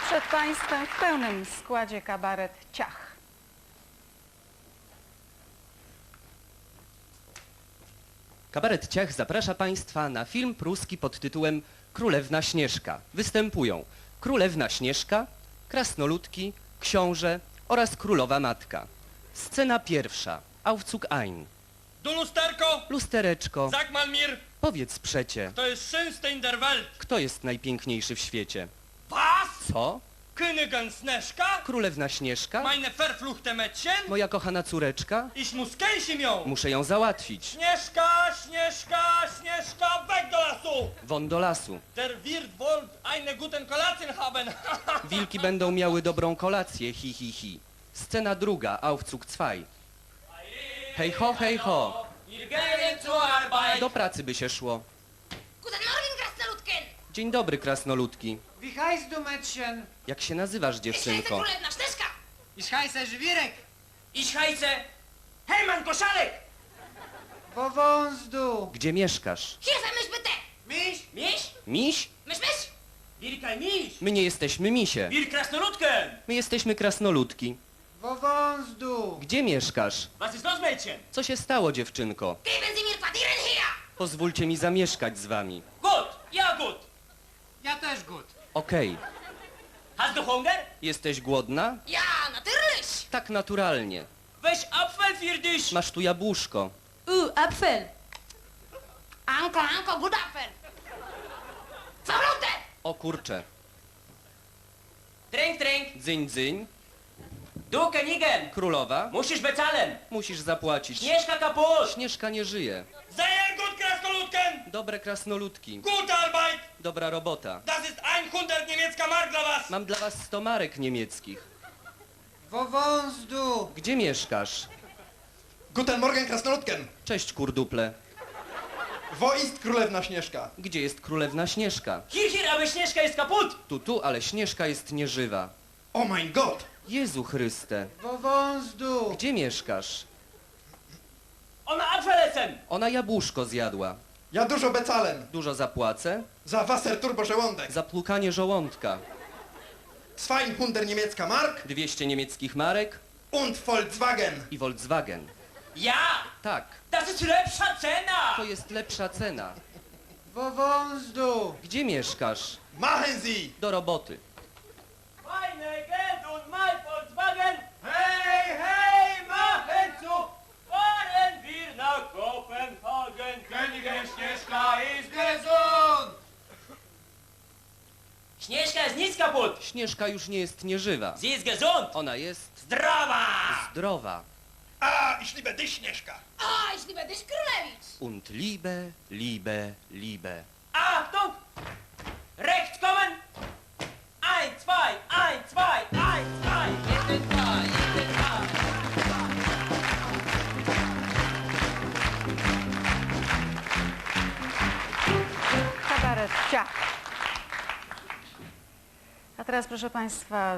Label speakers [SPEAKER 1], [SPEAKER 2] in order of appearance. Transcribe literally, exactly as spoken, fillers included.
[SPEAKER 1] Przed Państwem w pełnym składzie kabaret Ciach.
[SPEAKER 2] Kabaret Ciach zaprasza Państwa na film pruski pod tytułem Królewna Śnieżka. Występują Królewna Śnieżka, Krasnoludki, Książę oraz Królowa Matka. Scena pierwsza. Aufzug ein.
[SPEAKER 3] Du lusterko!
[SPEAKER 2] Lustereczko,
[SPEAKER 3] Sag mal mir,
[SPEAKER 2] powiedz przecie,
[SPEAKER 3] to jest schönste in der Welt.
[SPEAKER 2] kto jest najpiękniejszy w świecie?
[SPEAKER 3] Was?
[SPEAKER 2] Co?
[SPEAKER 3] Königin Sneżka?
[SPEAKER 2] Królewna Śnieżka?
[SPEAKER 3] Meine verfluchte Mädchen?
[SPEAKER 2] Moja kochana córeczka?
[SPEAKER 3] Ich muss kęsim ją!
[SPEAKER 2] Muszę ją załatwić.
[SPEAKER 3] Śnieżka, Śnieżka, Śnieżka, weg do lasu!
[SPEAKER 2] Won do lasu.
[SPEAKER 3] Der Wirt wollt eine guten Kolacjen haben.
[SPEAKER 2] Wilki będą miały dobrą kolację, hi hi hi. Scena druga, Aufzug zwei. Hej ho, hej ho.
[SPEAKER 3] Wir gehen zur Arbeit.
[SPEAKER 2] Do pracy by się szło.
[SPEAKER 4] Guten Morgen, Krasnoludken!
[SPEAKER 2] Dzień dobry, krasnoludki.
[SPEAKER 5] Wie heißt du, Mädchen?
[SPEAKER 2] Jak się nazywasz,
[SPEAKER 4] Ich heiße
[SPEAKER 2] dziewczynko?
[SPEAKER 4] Królewna Śnieżka!
[SPEAKER 5] Ich heiße Żwirek.
[SPEAKER 3] Ich heiße Hejman Koszalek.
[SPEAKER 5] Wo wohnst du?
[SPEAKER 2] Gdzie mieszkasz?
[SPEAKER 4] Hier vermisch bitte!
[SPEAKER 5] Mich?
[SPEAKER 3] Miś?
[SPEAKER 2] Miś?
[SPEAKER 4] Misch, misch!
[SPEAKER 3] Wir kein Miś.
[SPEAKER 2] My nie jesteśmy misie.
[SPEAKER 3] Wir Krasnoludken.
[SPEAKER 2] My jesteśmy krasnoludki.
[SPEAKER 5] Wo wohnst du?
[SPEAKER 2] Gdzie mieszkasz?
[SPEAKER 3] Was ist los, Mädchen?
[SPEAKER 2] Co się stało, dziewczynko?
[SPEAKER 4] Geben Sie mir Quartieren hier!
[SPEAKER 2] Pozwólcie mi zamieszkać z wami.
[SPEAKER 3] Gut, ja gut.
[SPEAKER 5] Ja też gut.
[SPEAKER 2] Okej.
[SPEAKER 3] Hast du Hunger?
[SPEAKER 2] Jesteś głodna?
[SPEAKER 4] Ja, natürlich!
[SPEAKER 2] Tak naturalnie.
[SPEAKER 3] Weź Apfel für dich.
[SPEAKER 2] Masz tu jabłuszko.
[SPEAKER 4] Uh, Apfel! Anko, Anko, gut Apfel! Verfluchte!
[SPEAKER 2] O kurcze.
[SPEAKER 3] Trink, trink.
[SPEAKER 2] Dzyń, dzyń.
[SPEAKER 3] Du Königin,
[SPEAKER 2] Królowa.
[SPEAKER 3] musisz bezahlen.
[SPEAKER 2] Musisz zapłacić.
[SPEAKER 3] Śnieżka kaputt.
[SPEAKER 2] Śnieżka nie żyje.
[SPEAKER 3] Sehr gut, Krasnoludken.
[SPEAKER 2] Dobre krasnoludki.
[SPEAKER 3] Gute Arbeit.
[SPEAKER 2] Dobra robota.
[SPEAKER 3] Das ist hundert niemiecka Mark dla was.
[SPEAKER 2] Mam dla was sto marek niemieckich.
[SPEAKER 5] Wo wohnst du?
[SPEAKER 2] Gdzie mieszkasz?
[SPEAKER 6] Guten Morgen, Krasnoludken!
[SPEAKER 2] Cześć, kurduple.
[SPEAKER 6] Wo ist Królewna Śnieżka?
[SPEAKER 2] Gdzie jest królewna Śnieżka?
[SPEAKER 3] Hier, hier, aber Śnieżka jest kaputt.
[SPEAKER 2] Tu, tu, ale Śnieżka jest nieżywa.
[SPEAKER 6] Oh mein Gott!
[SPEAKER 2] Jezu Chryste.
[SPEAKER 5] Wo wohnst du?
[SPEAKER 2] Gdzie mieszkasz?
[SPEAKER 3] Ona Apfel essen.
[SPEAKER 2] Ona jabłuszko zjadła.
[SPEAKER 6] Ja dużo bezahlen.
[SPEAKER 2] Dużo zapłacę?
[SPEAKER 6] Za Wasser Turbo żołądek.
[SPEAKER 2] Za plukanie żołądka.
[SPEAKER 6] zweihundert niemiecka Mark
[SPEAKER 2] dwieście niemieckich marek
[SPEAKER 6] und Volkswagen.
[SPEAKER 2] i Volkswagen.
[SPEAKER 3] Ja,
[SPEAKER 2] Tak,
[SPEAKER 3] das ist lepsza cena.
[SPEAKER 2] to jest lepsza cena.
[SPEAKER 5] Wo wohnst du?
[SPEAKER 2] Gdzie mieszkasz?
[SPEAKER 6] Machen Sie!
[SPEAKER 2] Do roboty.
[SPEAKER 3] Meine Geld und mein Volkswagen. Hey, hey, machen zu. Fahren wir nach Kopenhagen. Königin Śnieżka ist gesund. Śnieżka jest nic kaputt.
[SPEAKER 2] Śnieżka już nie jest nieżywa.
[SPEAKER 3] Sie ist gesund.
[SPEAKER 2] Ona jest
[SPEAKER 3] Zdrowa.
[SPEAKER 2] zdrowa.
[SPEAKER 6] A, ich liebe dich, Śnieżka!
[SPEAKER 4] Ah, ich liebe dich, Królewicz!
[SPEAKER 2] Und liebe, liebe, liebe.
[SPEAKER 3] Achtung. Rechts kommen. Ein, zwei, ein, zwei, ein, zwei. Jeden, zwei, jeden, zwei.
[SPEAKER 1] Kabaret Ciach. A teraz, proszę Państwa,